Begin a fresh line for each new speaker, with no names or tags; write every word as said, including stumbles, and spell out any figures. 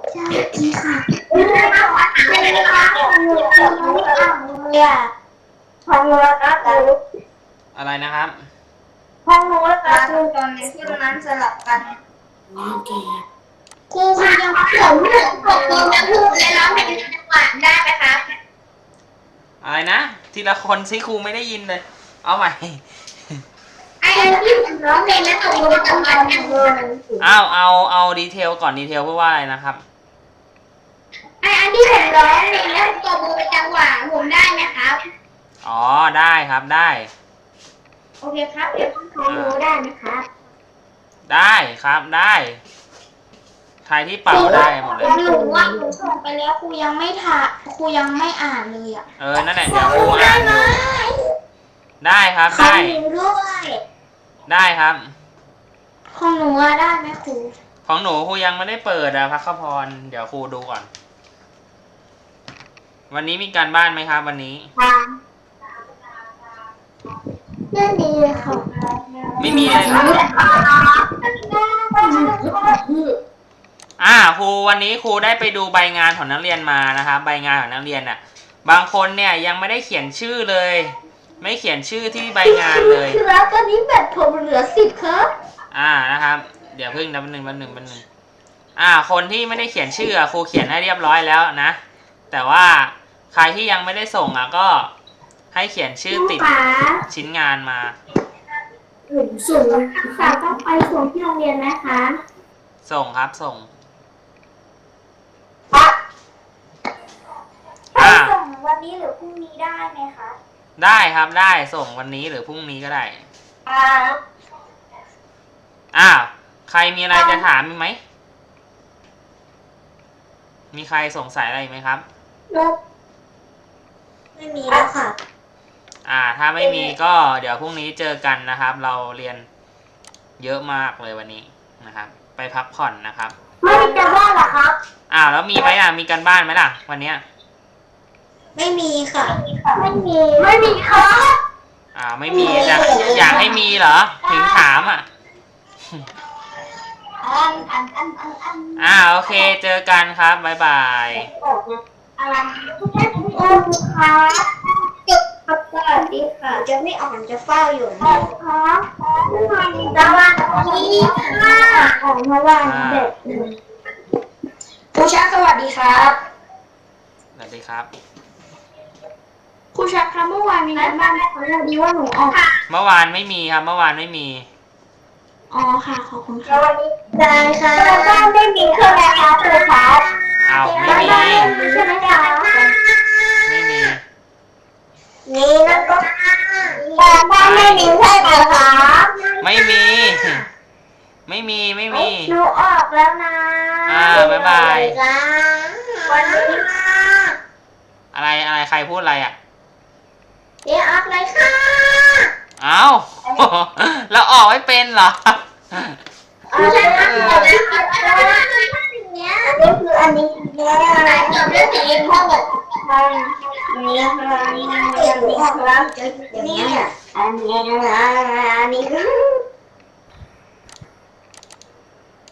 ใช่ค่ะไม่ได้มาวัดเลยนะคะหนูจะรู้อ่างเลยอ่ะห้องนู้นนะครู
อะไรนะครับ
ห้องนู้นนะครูตอนนี้ที่ตรงนั้นสลับกันครูครูยังผมผมผมจะพูดและร้องเพลงจังหวะได้ไหมครับ
อะไรนะทีละคนซิครูไม่ได้ยินเลยเอาใหม่
ไอ้ที่ผมร้องเพลงแล้วตกลงจังหวะกันเลย
เอาเอาเอาดีเทลก่อนดีเทลพูดว่าอะไรนะครับ
ไอ้อันที่ผมร้องเพลงแล้วตัวมือเป็นจังหวะผมได้ไหมครับ
อ๋อได้ครับได้
โอเคครับเดี๋ยวต้องรู้ได้ไหมครับ
ได้ครับได้ใครที่เป่าได้หมดเลย
หนูว่าหนูส่งไปแล้วครูยังไม่ถ่าครูยังไม่อ่านเลยอ่ะ
เออนั่นแหละเดี๋ยวครูอ่านอยู่ได้ครับได้
ด้วย
ได้ครับ
ของหนูว่าได้ไหมครู
ของหนูครูยังไม่ได้เปิดอะพักขพรเดี๋ยวครูดูก่อนวันนี้มีการบ้านไหมครับวันนี้
ไม่มีค่ะ
ไม่มีเลยครับอ่าครูวันนี้ครูได้ไปดูใบงานของนักเรียนมานะครับใบงานของนักเรียนน่ะบางคนเนี่ยยังไม่ได้เขียนชื่อเลย ไม่เขียนชื่อที่ใบงานเลย
ครับตอนนี้แบตผมเหลือสิบครับ
อ่านะครับเดี๋ยวพึ่งนับหนึ่งนับหนึ่งนับหนึ่งอ่าคนที่ไม่ได้เขียนชื่อครูเขียนให้เรียบร้อยแล้วนะแต่ว่าใครที่ยังไม่ได้ส่งอ่ะก็ให้เขียนชื่อติดชิ้นงานมา
ส่งฝากต้องไปส่งที่โรงเรียนไหมคะ
ส่งครับส่ง
ไปส่งวันนี้หรือพรุ่งนี้ได้ไหมคะ
ได้ครับได้ส่งวันนี้หรือพรุ่งนี้ก็ได้อ้าวใครมีอะไรจะถามไหมมีใครสงสัยอะไรไหมครับ
ไม่มีแล้วค่ะ
อ่าถ้าไม่มีก็เดี๋ยวพรุ่งนี้เจอกันนะครับเราเรียนเยอะมากเลยวันนี้นะครับไปพักผ่อนนะครับ
ไม่มีการบ้านหรอครับ
อ้าวแล้วมีไหมอ่ะมีการบ้านไหมล่ะวันเนี้ย
ไม่มีค่ะไม่มีไม่มีค่ะ
อ่าไม่มีจะอยากให้มีเหรอถึงถามอ่ะอ่าโอเคเจอกันครับบ๊ายบาย
อะไรค่ะจบครับสวัสดีค่ะจะไม่อ่านจะเฝ้าอยู่นะครับสวัสดีค่ะออกมาว่าเด็กครูชักสวัสดีครับ
สวัสดีครับ
ครูชักครับเมื่อวานมีงานบ้านไหมคะพอดีว่าหนูออก
เมื่อวานไม่มีครับเมื่อวานไม่มี
อ๋อค่ะขอบคุณค่ะวันนี้ได้ค่ะบ้านไม่มีคืออะไรคะครูครับ
อ้าวไม่มี
ใช่ไหมคะ
ไม่มี
นี่นะก็แต่บ้านไม่มีใช่ไหมคะ
ไม่มีไม่มีไม่มี
หนูออกแล้วนะ
อ่าบ๊ายบาย
วันนี้
อะไรอะไรใครพูดอะไรอ่ะ
เดี๋ยวออกเลยค่ะ
อ้าวแล้วออกไม่เป็นเหรอ
ออกแล้วค่ะนี่คืออันนี้เนี่ยจบเรื่องสีพ่อแบบนี่ค่ะนี่ค่ะนี่ค่ะนี่อันนี้อันนี้คือ